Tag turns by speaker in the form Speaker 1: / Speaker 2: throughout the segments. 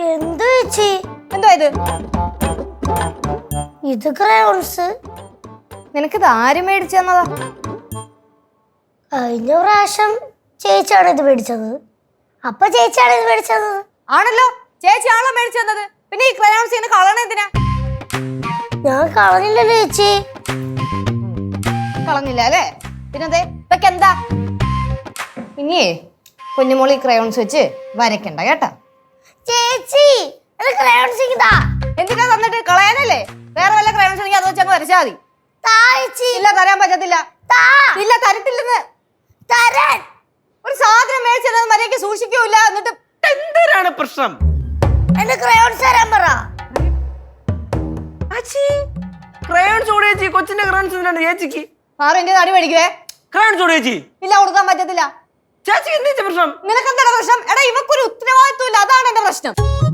Speaker 1: എന്താ ചേച്ചി?
Speaker 2: എന്തോ
Speaker 1: ഇത് ക്രയോൺസ്.
Speaker 2: നിനക്കിത് ആര് മേടിച്ചു തന്നതാ?
Speaker 1: കഴിഞ്ഞ പ്രാവശ്യം ചേച്ചിയാണ് ഇത് മേടിച്ചത്. അപ്പൊ ചേച്ചിയാണ് ഇത് മേടിച്ചത്.
Speaker 2: ആണല്ലോ, ചേച്ചി ആണല്ലോ മേടിച്ചു തന്നത്. പിന്നെ ഈ ക്രയോൺസ് ഇങ്ങനെ കളയണ എന്തിനാ?
Speaker 1: ഞാൻ കളഞ്ഞില്ലല്ലോ ചേച്ചി.
Speaker 2: കളഞ്ഞില്ല അല്ലേ? പിന്നെന്തേ ഇതൊക്കെ എന്താ? ഇനിയേ കുഞ്ഞുമോളി ക്രയോൺസ് വെച്ച് വരയ്ക്കണ്ട കേട്ടാ.
Speaker 1: ചേച്ചി ക്രയോൺസ്
Speaker 2: എന്തിനാ തന്നിട്ട്? കളയാനല്ലേ? വേറെ വല്ല ക്രയോൺസ് ഉണ്ടെങ്കിൽ അത് വെച്ചങ്ങ് വരച്ചാൽ മതി. ഇല്ല, തരാൻ പറ്റത്തില്ല. ഇല്ല, തരത്തില്ലെന്ന്.
Speaker 1: തരാൻ
Speaker 2: ഒരു സാധനം മേടിച്ചത് മര്യാദയ്ക്ക് സൂക്ഷിക്കൂല. എന്നിട്ട്
Speaker 3: എന്തിനാണ് പ്രശ്നം?
Speaker 1: എന്റെ ക്രയോൺസ് തരാൻ പറ.
Speaker 3: ക്രയോൺസ് ഓടി ചേച്ചി, കൊച്ചിന്റെ ക്രയോൺസ് എന്തിനാണ് ചേച്ചിക്ക്?
Speaker 2: ആരും എന്റെ തടി മേടിക്കുവേ.
Speaker 3: ക്രയോൺസ് ഓടി ചേച്ചി.
Speaker 2: ഇല്ല, കൊടുക്കാൻ പറ്റത്തില്ല.
Speaker 3: ചേച്ചിക്ക് എന്താ പ്രശ്നം?
Speaker 2: നിനക്കെന്താണ് പ്രശ്നം? എടാ, ഇവക്കൊരു ഉത്തരവാദിത്വം ഇല്ല, അതാണ് എന്റെ പ്രശ്നം.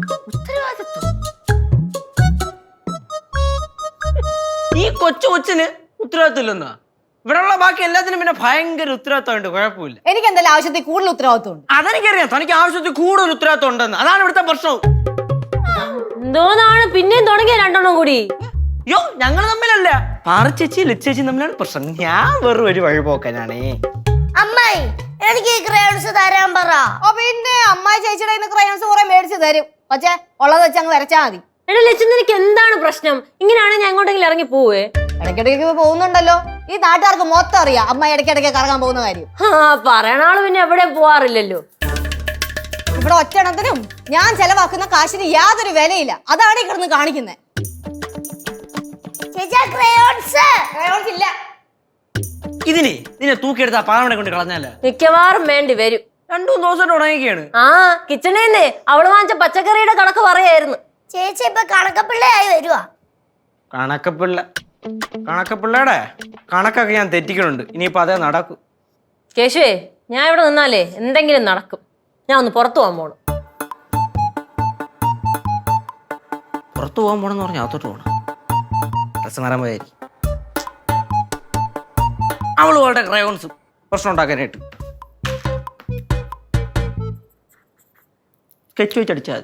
Speaker 3: ഈ കൊച്ചിന് ഉത്തരവാദിത്വം ഇല്ലെന്നാ? ഇവിടെയുള്ള ബാക്കി എല്ലാത്തിനും പിന്നെ ഭയങ്കര ഉത്തരവാദിത്തമുണ്ട്, കുഴപ്പമില്ല.
Speaker 2: എനിക്ക് എന്തായാലും ആവശ്യത്തിൽ കൂടുതൽ ഉത്തരവാദിത്വം ഉണ്ട്.
Speaker 3: അതെനിക്കറിയാം, തനിക്ക് ആവശ്യത്തിൽ കൂടുതൽ ഉത്തരവാദിത്തം ഉണ്ടെന്ന്. അതാണ് ഇവിടുത്തെ പ്രശ്നം.
Speaker 4: എന്തോന്നാണ് പിന്നെയും തുടങ്ങിയ രണ്ടെണ്ണം കൂടി?
Speaker 3: അയ്യോ, ഞങ്ങൾ തമ്മിലല്ല, പാറച്ചേച്ചി ലച്ചേച്ചി തമ്മിലാണ് പ്രശ്നം. ഞാൻ വെറും ഒരു വഴിപോക്കനാണേ.
Speaker 1: അമ്മായി എനിക്ക് ഈ ക്രയോൺസ് തരാൻ പറ.
Speaker 2: പിന്നെ അമ്മായി ചേച്ചിയുടെ ക്രയോൺസ് കുറെ മേടിച്ച് തരും. പക്ഷേ ഉള്ളത് വെച്ച് അങ്ങ് വരച്ചാ മതി.
Speaker 4: എടാ ലച്ചു, നിനക്ക് എന്താണ് പ്രശ്നം? ഇങ്ങനെയാണെങ്കിൽ ഞാൻ എങ്ങോട്ടെങ്കിലും ഇറങ്ങി പോവേ.
Speaker 2: ഇടയ്ക്കിടയ്ക്ക് പോകുന്നുണ്ടല്ലോ. ഈ നാട്ടുകാർക്ക് മൊത്തം അറിയാം അമ്മ ഇടയ്ക്കിടയ്ക്ക് കറങ്ങാൻ പോകുന്ന കാര്യം.
Speaker 4: പറയണ ആള് പിന്നെ എവിടെ പോവാറില്ലല്ലോ.
Speaker 2: ഇവിടെ ഒറ്റണത്തിനും ഞാൻ ചെലവാക്കുന്ന കാശിന് യാതൊരു വിലയില്ല. അതാണ് ഈ കിടന്ന് കാണിക്കുന്നത്.
Speaker 1: ക്രയോൺസ്
Speaker 2: ഇല്ല.
Speaker 3: ഇതിനെ തൂക്കിയെടുത്താ പാറമണെ കൊണ്ട് കളഞ്ഞാലേ
Speaker 4: മിക്കവാറും വേണ്ടി വരും.
Speaker 3: 2-3 ദിവസമായിട്ട് ഉണങ്ങിയൊക്കെയാണ്.
Speaker 4: കിച്ചണേന്നേ അവള് വാങ്ങിച്ച പച്ചക്കറിയുടെ കണക്ക് പറയായിരുന്നു.
Speaker 1: ചേച്ചി ഇപ്പൊ കണക്കപ്പിള്ളയായി വരുവാ.
Speaker 3: കണക്കപ്പിള്ളയുടെ കണക്കൊക്കെ ഞാൻ തെറ്റിക്കണുണ്ട്. ഇനിയിപ്പോ അതേ നടക്കും.
Speaker 4: കേശുവേ, ഞാൻ ഇവിടെ നിന്നാലേ എന്തെങ്കിലും നടക്കും. ഞാൻ ഒന്ന് പുറത്തു പോകാൻ പോണം.
Speaker 3: പുറത്തു പോകാൻ പോണെന്ന് പറഞ്ഞാൽ അകത്തോട്ട് പോകണം. ഡ്രസ് മാറാൻ പോയായിരിക്കും. അവള് അവളുടെ ക്രയോൺസ് പ്രശ്നം ഉണ്ടാക്കാനായിട്ട് സ്കെച്ച് വെച്ചടിച്ചാൽ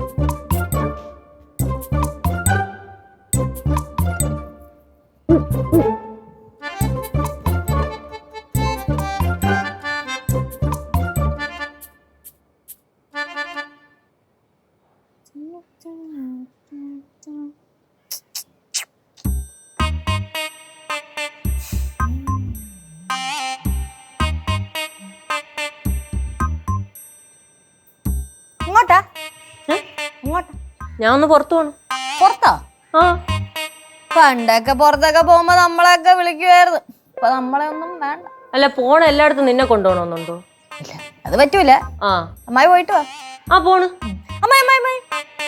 Speaker 2: ഇങ്ങോട്ടാ? ഇങ്ങോട്ടാ?
Speaker 4: ഞാൻ ഒന്ന് പുറത്തു പോണം.
Speaker 2: പുറത്താ?
Speaker 4: ആ,
Speaker 2: പണ്ടൊക്കെ പുറത്തൊക്കെ പോകുമ്പോ നമ്മളെയൊക്കെ വിളിക്കുവായിരുന്നു. ഇപ്പൊ നമ്മളെ ഒന്നും വേണ്ട.
Speaker 4: അല്ല, പോണ എല്ലായിടത്തും നിന്നെ കൊണ്ടുപോകണമെന്നുണ്ടോ?
Speaker 2: ഇല്ല, അത് പറ്റൂല. അമ്മായി പോയിട്ട് വാ.
Speaker 4: പോണ്.
Speaker 2: അമ്മായി അമ്മായി അമ്മായി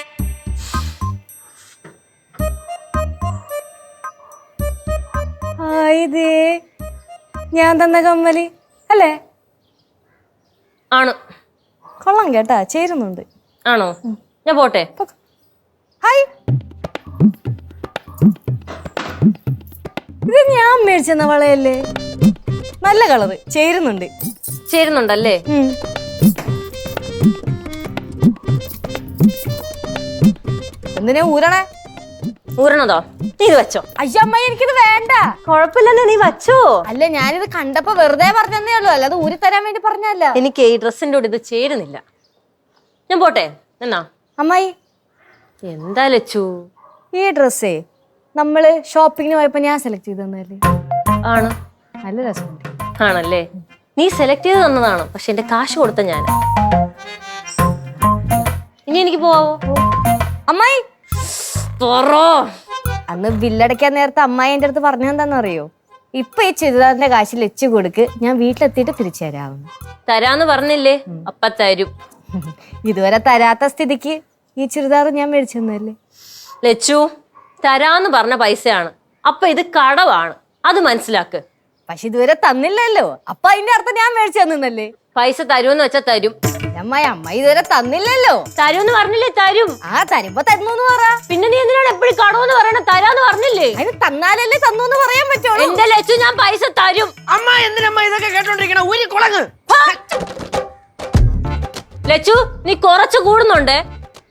Speaker 2: ഇതേ ഞാൻ തന്ന കമ്മല് അല്ലേ?
Speaker 4: ആണ്.
Speaker 2: കൊള്ളാം കേട്ടാ, ചേരുന്നുണ്ട്.
Speaker 4: ആണോ? ഞാൻ പോട്ടെ.
Speaker 2: ഹായ്, ഇത് ഞാൻ മേടിച്ചെന്ന വളയല്ലേ? നല്ല കളറ്, ചേരുന്നുണ്ട്.
Speaker 4: ചേരുന്നുണ്ടല്ലേ?
Speaker 2: എന്തിനാ ഊരണേ?
Speaker 4: ഊരണതോ? നീ ഇത് വെച്ചോ.
Speaker 2: അയ്യമ്മായി, എനിക്കിത് വേണ്ട.
Speaker 4: കുഴപ്പമില്ലല്ലോ, നീ വച്ചോ.
Speaker 2: അല്ല, ഞാനിത് കണ്ടപ്പോ വെറുതെ പറഞ്ഞതേ ഉള്ളൂ, അല്ലാതെ ഊരി തരാൻ വേണ്ടി പറഞ്ഞല്ല.
Speaker 4: എനിക്ക് ഈ ഡ്രസ്സിന്റെ കൂടെ ഇത് ചേരുന്നില്ല. ഞാൻ പോട്ടെ. എന്നാ
Speaker 2: അമ്മായി,
Speaker 4: എന്താ ലച്ചു?
Speaker 2: ഈ ഡ്രസ്സേ നമ്മള് ഷോപ്പിങ്ങിന് പോയപ്പോ ഞാൻ സെലക്ട് ചെയ്ത് തന്നല്ലേ?
Speaker 4: ആണ്.
Speaker 2: നല്ല രസമുണ്ട്.
Speaker 4: ആണല്ലേ? നീ സെലക്ട് ചെയ്ത് തന്നതാണ്, പക്ഷെ എന്റെ കാശ് കൊടുത്ത ഞാൻ. ഇനി എനിക്ക് പോവാവോ?
Speaker 2: അമ്മായി,
Speaker 4: തുറോ.
Speaker 2: അന്ന് ബില്ലടയ്ക്കാൻ നേരത്തെ അമ്മായി എന്റെ അടുത്ത് പറഞ്ഞെന്താന്ന് അറിയോ? ഇപ്പൊ ഈ ചുരിദാറിന്റെ കാശ് ലച്ചു കൊടുക്ക്, ഞാൻ വീട്ടിലെത്തിയിട്ട് തിരിച്ചു തരാമെന്ന്.
Speaker 4: തരാന്ന് പറഞ്ഞില്ലേ? അപ്പ തരും.
Speaker 2: ഇതുവരെ തരാത്ത സ്ഥിതിക്ക് ഈ ചുരിദാർ ഞാൻ മേടിച്ചു തന്നല്ലേ?
Speaker 4: ലച്ചു, തരാന്ന് പറഞ്ഞ പൈസയാണ്. അപ്പൊ ഇത് കടവാണ്, അത് മനസ്സിലാക്ക്.
Speaker 2: പക്ഷെ ഇതുവരെ തന്നില്ലല്ലോ, അപ്പൊ അതിന്റെ അർത്ഥം ഞാൻ മേടിച്ചു തന്നല്ലേ?
Speaker 4: പൈസ തരുമെന്ന് വെച്ചാ തരും.
Speaker 2: അമ്മായി, അമ്മായി ഇതുവരെ തന്നില്ലല്ലോ.
Speaker 4: തരുമെന്ന് പറഞ്ഞില്ലേ? തരും.
Speaker 2: തരുമ്പോ തരുന്നു പറ.
Speaker 4: പിന്നെ നീ എന്തിനാണ് എപ്പോഴും കടവെന്ന് പറയണ? തരാന്ന് പറഞ്ഞില്ലേ?
Speaker 2: അതിന് തന്നാലല്ലേ തന്നു എന്ന് പറയാൻ പറ്റുള്ളൂ.
Speaker 4: എന്റെ ലച്ചു, ഞാൻ പൈസ തരും.
Speaker 3: അമ്മ എന്തിനമ്മ ഇതൊക്കെ കേട്ടോണ്ടിരിക്കണ? ഒരു കുളങ്ങ്
Speaker 4: ലച്ചു, നീ കുറച്ച് കൂടുന്നുണ്ടേ.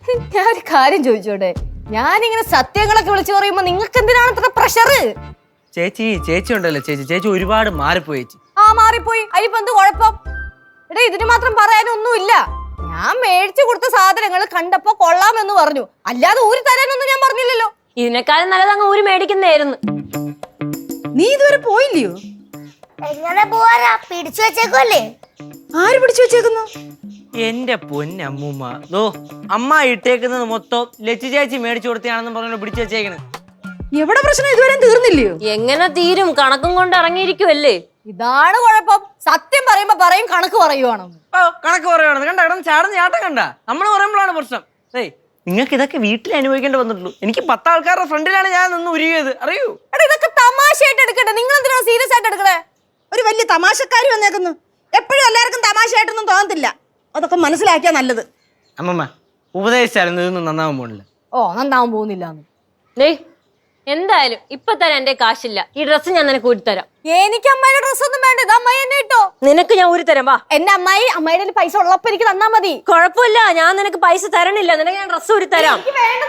Speaker 2: ഞാൻ ഒരു കാര്യം ചോദിച്ചോട്ടെ, ഞാനിങ്ങനെ സത്യങ്ങളൊക്കെ വിളിച്ചു പറയുമ്പോ നിങ്ങൾക്ക് എന്തിനാണ് ഇത്ര പ്രഷർ?
Speaker 3: ചേച്ചി ഉണ്ടല്ലോ ചേച്ചി ഒരുപാട് മാറിപ്പോയി ചേച്ചി.
Speaker 2: ആ മാറിപ്പോയി, അതിപ്പോ എന്ത് കുഴപ്പം? എടേ ഇതിന് മാത്രം പറയാനൊന്നുമില്ല. ഞാൻ മേടിച്ചു കൊടുത്ത സാധനങ്ങൾ കണ്ടപ്പോ കൊള്ളാമെന്ന് പറഞ്ഞു, അല്ലാതെ ഊരി തരാനൊന്നും ഞാൻ പറഞ്ഞില്ലല്ലോ.
Speaker 4: ഇതിനേക്കാളും നല്ലത് അങ്ങ് ഊരി മേടിക്കുന്നതായിരുന്നു.
Speaker 5: നീ ഇതുവരെ പോയില്ലയോ?
Speaker 1: എങ്ങനെ പോവാനാ? പിടിച്ചു വെച്ചേക്കുമല്ലേ.
Speaker 5: ആര് പിടിച്ചു വെച്ചേക്കുന്നു?
Speaker 3: എന്റെ പൊന്നമ്മൂമ്മ, ദോ അമ്മ ഇട്ടേക്കുന്നത് മൊത്തം ലച്ചു ചേച്ചി മേടിച്ചു കൊടുത്താണെന്ന് പറഞ്ഞു പിടിച്ചു വെച്ചേക്കണ്.
Speaker 5: എവിടെ പ്രശ്നം ഇതുവരെ തീർന്നില്ലയോ?
Speaker 4: എങ്ങനെ തീരും? കണക്കും കൊണ്ട് ഇറങ്ങിയിരിക്കുവല്ലേ.
Speaker 2: ഇതാണ് കുഴപ്പം. സത്യം പറയുമ്പോ പറയും കണക്ക് പറയുവാണ്.
Speaker 3: കണക്ക് പറയുവാണ്. കണ്ട കിടന്ന് ചാടുന്ന ചാട്ടം കണ്ട. നമ്മൾ പറയുമ്പോഴാണ് പ്രശ്നം. ഏയ് നിങ്ങൾക്ക് ഇതൊക്കെ വീട്ടിൽ അനുഭവിക്കേണ്ടി വന്നിട്ടുള്ളൂ. എനിക്ക് 10 ആൾക്കാരുടെ ഫ്രണ്ടിലാണ് ഞാൻ നിന്ന് ഉരുകിയത്, അറിയൂ.
Speaker 2: എടാ ഇതൊക്കെ തമാശയായിട്ട് എടുക്കട്ടെ, നിങ്ങൾ എന്തിനാണ് സീരിയസ് ആയിട്ട് എടുക്കണേ?
Speaker 5: ഒരു വലിയ തമാശക്കാരി വന്നേക്കുന്നു. എപ്പോഴും എല്ലാവർക്കും തമാശയായിട്ടൊന്നും തോന്നത്തില്ല. അതൊക്കെ മനസ്സിലാക്കിയാ നല്ലത്.
Speaker 3: അമ്മമ്മ ഉപദേശിച്ചാലും ഇതൊന്നും നന്നാവാൻ പോണില്ല.
Speaker 2: ഓ നന്നാവാൻ പോകുന്നില്ല.
Speaker 4: എന്തായാലും ഇപ്പൊ തരാൻ എന്റെ കാശില്ല. ഈ ഡ്രസ്സ് ഞാൻ നിനക്ക് ഊരി തരാം.
Speaker 2: എനിക്ക് അമ്മായിയുടെ ഡ്രസ് ഒന്നും വേണ്ട, ഇത് അമ്മായി എന്നെ ഇട്ടോ.
Speaker 4: നിനക്ക് ഞാൻ ഊരി തരാം. വാ. എന്റെ
Speaker 2: അമ്മായിയുടെ പൈസ ഉള്ളപ്പോ എനിക്ക് തന്നാ മതി.
Speaker 4: കുഴപ്പമില്ല, ഞാൻ നിനക്ക് പൈസ തരണില്ല. നിനക്ക് ഞാൻ ഡ്രസ്സ് ഊരി തരാം.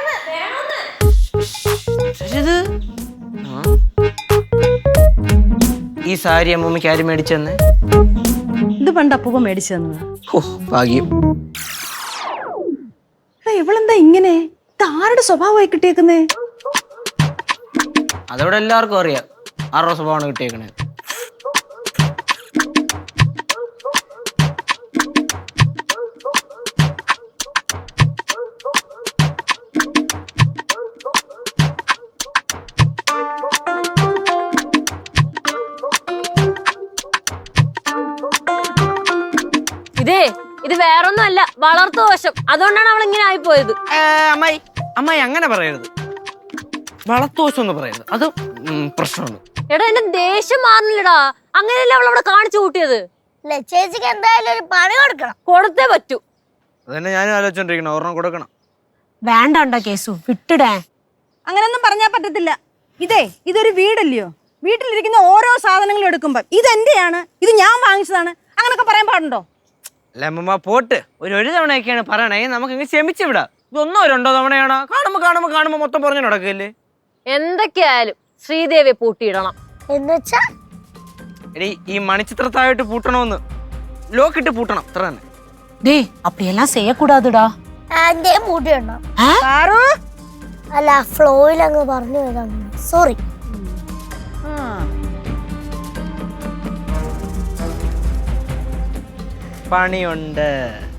Speaker 3: ഇത് ഈ സാരി അമ്മൂമ്മക്ക് ആര് മേടിച്ചെന്ന്?
Speaker 5: ഇത് പണ്ട് അപ്പൂപ്പ മേടിച്ചു തന്നതാ.
Speaker 3: ഭാഗ്യം.
Speaker 5: ഇവളെന്താ ഇങ്ങനെ? ഇത് ആരുടെ സ്വഭാവമായി കിട്ടിയേക്കുന്നേ?
Speaker 3: അതോടെ എല്ലാവർക്കും അറിയാം ആരുടെ സ്വഭാവമാണ് കിട്ടിയേക്കണേ.
Speaker 4: ഇത് വേറൊന്നും അല്ല, വളർത്തു ദോഷം. അതുകൊണ്ടാണ് അവൾ ഇങ്ങനെ ആയിപ്പോയത്.
Speaker 3: അമ്മായി അങ്ങനെ പറയരുത്. വളർത്തുവശം എന്ന് പറയരുത്, അത് പ്രശ്നമാണ്.
Speaker 4: എടാ എന്റെ ദേഷ്യം മാറുന്നില്ലടാ. അങ്ങനെയല്ലേ അവൾ അവിടെ കാണിച്ചു കൂട്ടിയത്.
Speaker 1: ചേച്ചിക്ക് എന്തായാലും ഒരു പണി കൊടുക്കണം.
Speaker 4: കൊടുത്തേ പറ്റൂ.
Speaker 3: അതന്നെ ഞാനും ആലോചിച്ചോണ്ടിരിക്കണം. ഒരെണ്ണം കൊടുക്കണം.
Speaker 6: വേണ്ട കേസു, വിട്ടിടേ.
Speaker 5: അങ്ങനൊന്നും പറഞ്ഞാൽ പറ്റത്തില്ല. ഇതൊരു വീടല്ലയോ? വീട്ടിലിരിക്കുന്ന ഓരോ സാധനങ്ങളും എടുക്കുമ്പോ ഇതെന്റെയാണ്, ഇത് ഞാൻ വാങ്ങിച്ചതാണ്, അങ്ങനൊക്കെ പറയാൻ പാടുണ്ടോ?
Speaker 3: അല്ല അമ്മമ്മ പോട്ട്, ഒരു തവണയൊക്കെയാണ് പറയണേ. നമുക്ക് ഇങ്ങനെ ക്ഷമിച്ചു വിടാം. ഇതൊന്നോ 2 തവണയാണോ? കാണുമ്പോ മൊത്തം പറഞ്ഞു നടക്കല്ലേ.
Speaker 4: എന്തൊക്കെയായാലും ശ്രീദേവിയെ പൂട്ടിയിടണം.
Speaker 1: എന്നുവെച്ചാ
Speaker 3: എടീ ഈ മണിച്ചിത്രത്തായിട്ട് പൂട്ടണമെന്ന് ലോക്കിട്ട് പൂട്ടണം, അത്ര തന്നെ.
Speaker 6: டேய் அப்படியெல்லாம் செய்யக்கூடாதுடா.
Speaker 1: ആന്റെ മൂട്ടിയുണ്ടോ?
Speaker 5: പാറു,
Speaker 1: അല്ല ഫ്ലോയിൽ അങ്ങ് പറഞ്ഞു വരാം. സോറി.
Speaker 3: പണിയുണ്ട്.